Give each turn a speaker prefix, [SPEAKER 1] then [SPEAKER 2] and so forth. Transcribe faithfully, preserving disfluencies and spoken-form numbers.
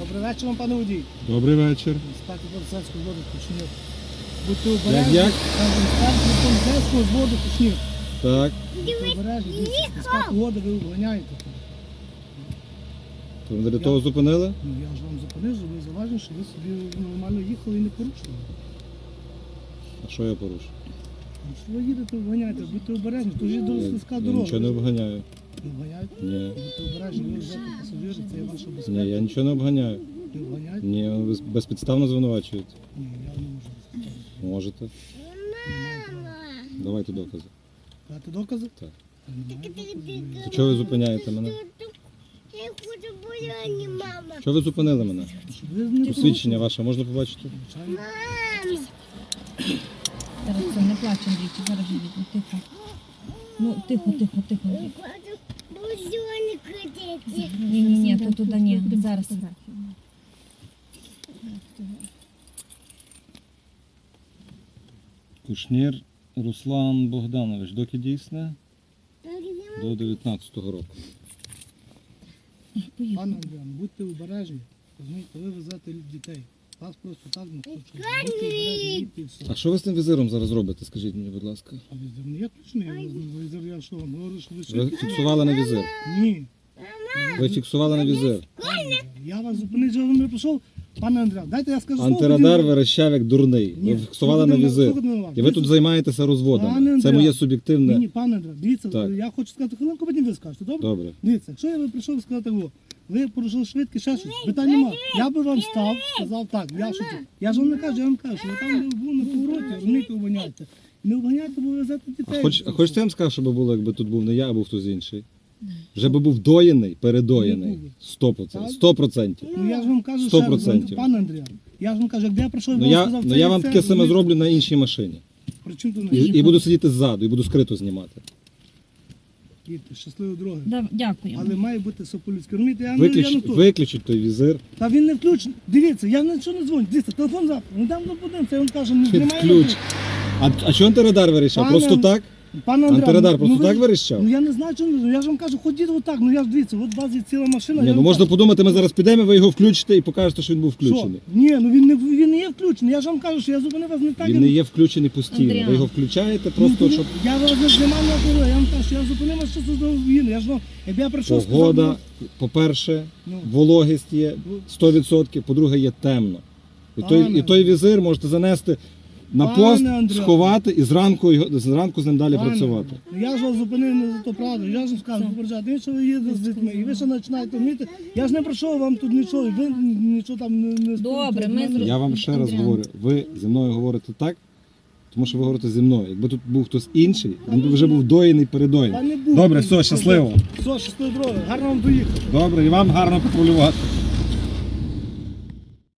[SPEAKER 1] Добрий вечір вам, пане водій.
[SPEAKER 2] Добрий вечір.
[SPEAKER 1] Інспектор поліцейського зводу Кушнір. Будьте обережні.
[SPEAKER 2] Як?
[SPEAKER 1] Там інспектор поліцейського зводу Кушнір.
[SPEAKER 2] Так.
[SPEAKER 1] Будьте обережні. Дивіться, піска погода, ви обганяєте.
[SPEAKER 2] То ви для того зупинили?
[SPEAKER 1] Ну, я ж вам зупинив, що ви заважили, що ви собі нормально їхали і не порушили.
[SPEAKER 2] А що я порушу?
[SPEAKER 1] Ну, що ви їдете, обганяєте, будьте обережні, то ж є
[SPEAKER 2] Я,
[SPEAKER 1] дуже слизька
[SPEAKER 2] я
[SPEAKER 1] дорога.
[SPEAKER 2] нічого не обганяю.
[SPEAKER 1] Не обганяєте?
[SPEAKER 2] Ні.
[SPEAKER 1] Будьте обережні, ви везете пасажирів, це є ваша безпека.
[SPEAKER 2] Ні, я нічого не обганяю.
[SPEAKER 1] Не обганяєте?
[SPEAKER 2] Ні, ви без- безпідставно звинувачуєте.
[SPEAKER 1] Ні, я не можу розповідати.
[SPEAKER 2] Можете.
[SPEAKER 1] Немає права.
[SPEAKER 2] Давайте докази.
[SPEAKER 1] Дати докази?
[SPEAKER 2] Так.
[SPEAKER 1] Немає доказів.
[SPEAKER 2] То чого ви зупиняєте мене?
[SPEAKER 3] Я хочу бояні, мама.
[SPEAKER 2] Чого ви зупинили мене?
[SPEAKER 1] Щоб ви не
[SPEAKER 2] Посвідчення ваше можна побачити?
[SPEAKER 1] Звичайно.
[SPEAKER 3] Мам.
[SPEAKER 4] Зараз це не плач, Андрійчик, зараз їдемо, тихо. Ну, тихо, тихо, тихо,
[SPEAKER 3] Я
[SPEAKER 4] Андрій.
[SPEAKER 3] хочу бузьони крутити.
[SPEAKER 4] Ні, ні, ні, то туди ні, зараз.
[SPEAKER 2] Кушнір Руслан Богданович. Доки дійсне? До дев'ятнадцятого року.
[SPEAKER 4] Поїхали.
[SPEAKER 1] Пане Андріан, будьте обережні. Розумієте, ви везете дітей. Вас просто так не хочуть. Будьте обережні, їдьте і все.
[SPEAKER 2] А що ви з тим візиром зараз робите? Скажіть мені, будь ласка.
[SPEAKER 1] А візир не є точний? Я візир, я що вам говорю, що ви
[SPEAKER 2] Ви
[SPEAKER 1] швидко?
[SPEAKER 2] фіксували на візир.
[SPEAKER 1] Ні.
[SPEAKER 2] Ви фіксували на візир.
[SPEAKER 1] Пане Андріан, я вас зупинив, що вам не прийшов. Пане Андріан, дайте я скажу слово.
[SPEAKER 2] Антирадар
[SPEAKER 1] тоді-
[SPEAKER 2] верещав як дурний.
[SPEAKER 1] Ні,
[SPEAKER 2] Ви фіксували на
[SPEAKER 1] слухайте
[SPEAKER 2] візир.
[SPEAKER 1] слухайте мене уважно.
[SPEAKER 2] І ви тут
[SPEAKER 1] Дивіться,
[SPEAKER 2] займаєтеся
[SPEAKER 1] Пане
[SPEAKER 2] розводами. Це
[SPEAKER 1] Андріан,
[SPEAKER 2] моє
[SPEAKER 1] Ні,
[SPEAKER 2] суб'єктивне.
[SPEAKER 1] ні, пане Андріан, дивіться,
[SPEAKER 2] Так.
[SPEAKER 1] я хочу сказати хвилинку, потім ви скажете, добре?
[SPEAKER 2] Добре.
[SPEAKER 1] Дивіться, якщо я би прийшов і сказав так, о, ви порушили швидкість, ще щось, питань немає. Я би вам став, сказав так, я що це. Я ж вам не кажу, я вам кажу, що ви там де був на повороті, розумієте, обганяйте. Не обганяйте, бо ви везете
[SPEAKER 2] А,
[SPEAKER 1] дітей.
[SPEAKER 2] хоч, а хочете я вам скажу, що би було, якби тут був не я, а був хтось інший? Вже би був доєний, передоєний.
[SPEAKER 1] Не був.
[SPEAKER 2] Сто процентів. Сто процентів.
[SPEAKER 1] Ну я ж вам кажу,
[SPEAKER 2] Сто
[SPEAKER 1] ще раз,
[SPEAKER 2] процентів.
[SPEAKER 1] пане Андріан, я ж вам кажу, якби я прийшов і
[SPEAKER 2] Ну
[SPEAKER 1] вам
[SPEAKER 2] я,
[SPEAKER 1] сказав,
[SPEAKER 2] ну
[SPEAKER 1] це
[SPEAKER 2] я
[SPEAKER 1] і
[SPEAKER 2] вам
[SPEAKER 1] це,
[SPEAKER 2] таке саме
[SPEAKER 1] розумієте?
[SPEAKER 2] зроблю на іншій машині.
[SPEAKER 1] При чому тут
[SPEAKER 2] І, і буду сидіти ззаду, і буду скрито знімати.
[SPEAKER 1] Їдьте, щасливої дороги.
[SPEAKER 4] Да, дякую.
[SPEAKER 1] Але має бути все по-людськи. Розумієте, я, не- я не
[SPEAKER 2] Виключіть,
[SPEAKER 1] тут.
[SPEAKER 2] виключіть той візир.
[SPEAKER 1] Та він не включений. Дивіться, я нічого не дзвоню. Дивіться, телефон завтра. Ну там до подивимося, він каже, не знімає.
[SPEAKER 2] Ключ. А, а чого антирадар вирішав?
[SPEAKER 1] Пане-
[SPEAKER 2] Просто так?
[SPEAKER 1] Пане Андрій,
[SPEAKER 2] Антирадар просто
[SPEAKER 1] ви-
[SPEAKER 2] так вирішав?
[SPEAKER 1] Ну я не знаю, чому. Я ж вам кажу, ходіть отак. Ну я ж дивіться, от у вас є ціла машина.
[SPEAKER 2] Ні,
[SPEAKER 1] я
[SPEAKER 2] ну
[SPEAKER 1] вам
[SPEAKER 2] можна
[SPEAKER 1] кажу,
[SPEAKER 2] подумати, ми зараз підемо, ви його включите і покажете, що він був
[SPEAKER 1] що?
[SPEAKER 2] включений.
[SPEAKER 1] Ні, ну він не він не є включений. Я ж вам кажу, що я зупинив вас не так.
[SPEAKER 2] Він
[SPEAKER 1] як-
[SPEAKER 2] не є включений постійно.
[SPEAKER 4] Андріан.
[SPEAKER 2] Ви його включаєте
[SPEAKER 1] Ну,
[SPEAKER 2] просто,
[SPEAKER 1] тоді
[SPEAKER 2] щоб
[SPEAKER 1] Я вас не знімав на дорогу. Я вам кажу, що я зупинив вас, що це за він. Я ж вам, якби я прийшов,
[SPEAKER 2] погода,
[SPEAKER 1] сказав,
[SPEAKER 2] по-перше,
[SPEAKER 1] ну,
[SPEAKER 2] вологість є сто відсотків, по-друге, є темно. І той,
[SPEAKER 1] Пане
[SPEAKER 2] і той візир можете занести на
[SPEAKER 1] Пане
[SPEAKER 2] пост,
[SPEAKER 1] Андрій.
[SPEAKER 2] сховати і зранку, його- зранку з ним далі
[SPEAKER 1] пане,
[SPEAKER 2] працювати.
[SPEAKER 1] ну, я ж вас зупинив не за то правду. Я ж вам скажу, попереджати, ви що ви їдете з дітьми, і ви ще починаєте вміти. Я ж не прийшов вам тут нічого, і ви нічого там не, не
[SPEAKER 4] Добре, ми
[SPEAKER 1] мене.
[SPEAKER 4] зрозуміли.
[SPEAKER 2] Я вам ще раз
[SPEAKER 4] Андріан.
[SPEAKER 2] говорю, ви зі мною говорите так, тому що ви говорите зі мною. Якби тут був хтось інший, він би вже був доєний,
[SPEAKER 1] Та
[SPEAKER 2] передоєний.
[SPEAKER 1] не буду.
[SPEAKER 2] Добре, все, щасливо.
[SPEAKER 1] Все, щасливо дороги. Гарно вам доїхати.
[SPEAKER 2] Добре, і вам гарно патрулювати.